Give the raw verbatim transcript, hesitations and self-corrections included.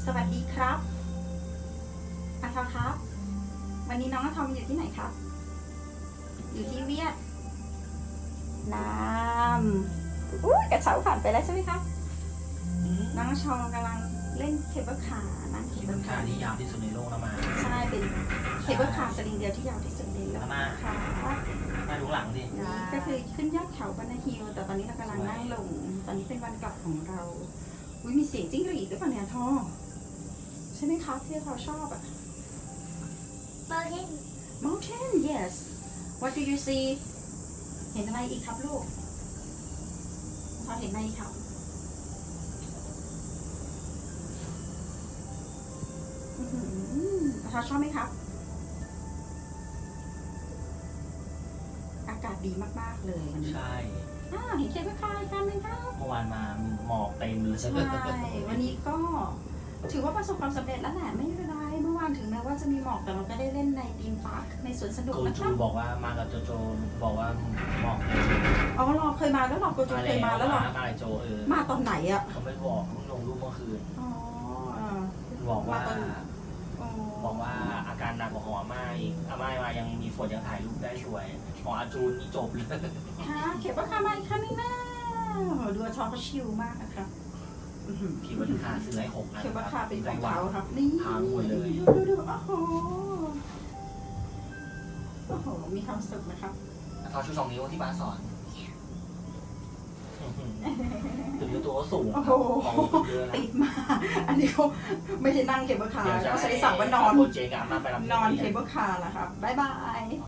สวัสดีครับอาทอครับ วันนี้น้องอาทอมอยู่ที่ไหนครับ อยู่ที่เวียดนามอุ้ยกระเช้าผ่านไปแล้วใช่ไหมครับ น้องอาชอกำลังเล่นเคเบิลคาร์นะเคเบิลคาร์ที่ยาวที่สุดในโลกนะมาใช่ เป็นเคเบิลคาร์สลิงเดียวที่ยาวที่สุดในโลกมาค่ะมาดูหลังดินี่ก็คือขึ้นยอดเขาบรรณฮิลแต่ตอนนี้เรากำลังนั่งลง ตอนนี้เป็นวันกลับของเรา อุ้ยมีเสียงจิ้งหรีดหรือเปล่าเนี่ยทอใช่ไหมคะที่ทอชอบอะ Mountain Mountain yes What do you see เห็นอะไรอีกครับลูกทอเห็นอะไรอีกครับอื้อหือทอชอบไหมครับ อากาศดีมากๆเลยวันนี้ใช่อ้าวเห็นเคเบิลคาร์อีกคันหนึงครับเมื่อวานมาหมอกเต็มเลยใช่ วันนี้ก็ถือว่าประสบความสำเร็จแล้วแหละไม่เป็นไรเมื่อวานถึงแม้ว่าจะมีหมอกแต่เราก็ได้เล่นในธีมพาร์คในสวนสนุกโกนะคจูรับบอกว่ามากับโจโจบอกว่าหมอกเต็มอ๋อรอเคยมาแล้วหรอโกโจเคยมาแล้วหรอมาอะไรโจเออมาตอนไหนอ่ะเขาไม่บอกเพิ่งลงรูปเมื่อคืนอ๋อบอกว่ามาตอนอ๋อบอกว่าอาการหนักกว่าของอาม่าอีกอาม่ามายังมีฝนยังถ่ายรูปได้สวยของอาจูนนี่จบเลยค่ะเข็บว่าคามาอีกคันนึงนะดูอาชอเขาชิลมากนะครับอื้อหือขี่บนคาซื้อให้หกอันเข็บว่าคาเป็นของวัเขาครับนี่พังหมดเลยดูดูดูโอ้โหโอ้โหมีความสุขนะครับทอชูสองนิ้วที่ป้าสอนถึงตัวสูงโอ้โหเยอะนะติดมา อันนี้เขาไม่ได้นั่งเคเบิลคาร์เดี๋ยวจะเขาใช้สั่งว่านอนโปรเจกต์อะมาไปรับนอนเคเบิลคาร์แหละครับ บ๊ายบาย